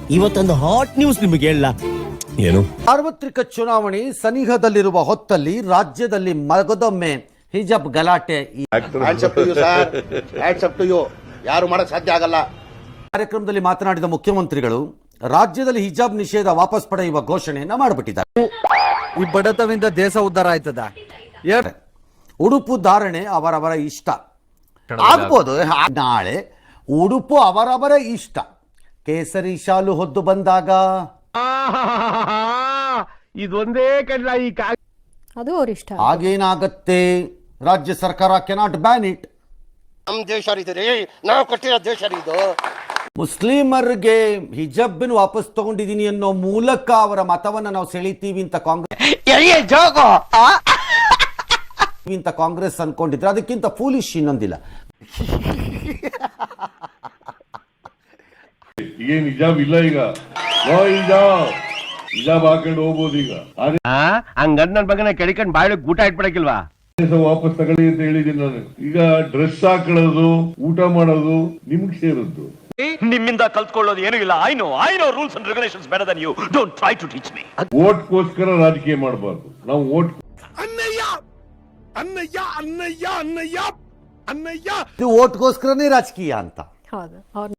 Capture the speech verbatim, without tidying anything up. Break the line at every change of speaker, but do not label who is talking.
ಇವತ್ತೊಂದು hot news ನಿಮಗೆ ಹೇಳ. ಏನು?
ಸಾರ್ವತ್ರಿಕ ಚುನಾವಣೆ ಸನಿಹದಲ್ಲಿರುವ ಹೊತ್ತಲ್ಲಿ ರಾಜ್ಯದಲ್ಲಿ ಮಗದೊಮ್ಮೆ ಹಿಜಾಬ್ ಗಲಾಟೆ.
ಯಾರು ಮಾಡಕ್ ಸಾಧ್ಯ ಆಗಲ್ಲ.
ಕಾರ್ಯಕ್ರಮದಲ್ಲಿ ಮಾತನಾಡಿದ ಮುಖ್ಯಮಂತ್ರಿಗಳು ರಾಜ್ಯದಲ್ಲಿ ಹಿಜಾಬ್ ನಿಷೇಧ ವಾಪಸ್ ಪಡೆಯುವ ಘೋಷಣೆಯನ್ನ ಮಾಡಿಬಿಟ್ಟಿದ್ದಾರೆ.
ಈ ಬಡತವಿಂದ ದೇಶ ಉದ್ಧಾರ ಆಯ್ತದ.
ಉಡುಪು ಧಾರಣೆ ಅವರವರ ಇಷ್ಟ ಆಗ್ಬೋದು. ನಾಳೆ ಉಡುಪು ಅವರವರ ಇಷ್ಟ. ಕೇಸರಿ ಶಾಲು ಹೊದ್ದು ಬಂದಾಗ
ಇದೊಂದೇ ಕಡ್ಲ ಈ
ಅದು ಅವ್ರ ಇಷ್ಟ.
ಆಗೇನಾಗತ್ತೆ? ರಾಜ್ಯ ಸರ್ಕಾರ ಕೆನಾಟ್ ಬ್ಯಾನ್ ಇಟ್.
ನಮ್ ದೇಶ ರೀ, ನಾವು ಕಟ್ಟಿರೋ ದೇಶ ಇದು.
ಮುಸ್ಲಿಮರಿಗೆ ಹಿಜಾಬ್ನ ವಾಪಸ್ ತಗೊಂಡಿದ್ದೀನಿ ಅನ್ನೋ ಮೂಲಕ ಅವರ ಮತವನ್ನ ನಾವು ಸೆಳಿತೀವಿ ಅಂತ ಕಾಂಗ್ರೆಸ್ ಇಂತ ಕಾಂಗ್ರೆಸ್ ಅನ್ಕೊಂಡಿದ್ರೆ ಅದಕ್ಕಿಂತ ಫೂಲಿಶ್ ಇನ್ನೊಂದಿಲ್ಲ.
ಈಗ ಹಿಜಾಬ್ ಇಲ್ಲ, ಈಗ ಹಿಜಾಬ್ ಹಿಜಾಬ್ ಹಾಕೊಂಡು ಹೋಗ್ಬೋದು. ಈಗ
ಹಂಗಂದ್ ನನ್ ಬಗ್ಗೆ ಕೆಡಿಕೊಂಡ್ ಬಾಯಿಗೆ ಊಟ ಇಟ್ಬಿಡಕಿಲ್ವಾ?
ವಾಪಸ್ ತಗೊಳ್ಳಿ ಅಂತ ಹೇಳಿದ್ದೀನಿ ನಾನು. ಈಗ ಡ್ರೆಸ್ ಹಾಕೊಳ್ಳೋದು, ಊಟ ಮಾಡೋದು ನಿಮ್ಗೆ ಸೇರದ್ದು.
ನಿಮ್ಮಿಂದ ಕಲ್ತ್ಕೊಳ್ಳೋದು ಏನೂ ಇಲ್ಲ. I know I know rules and regulations better than you. Don't try to teach me.
ಓಟ್ಗೋಸ್ಕರ ರಾಜಕೀಯ ಮಾಡಬಾರ್ದು. ನಾವು ಓಟ್
ಅನ್ನಯ್ಯ ಅನ್ನಯ್ಯ ಅನ್ನಯ್ಯ ಅನ್ನಯ್ಯ ಅನ್ನಯ್ಯ
ಇದು ಓಟ್ಗೋಸ್ಕರನೇ ರಾಜಕೀಯ ಅಂತ.
ಹೌದು, ಅವ್ರ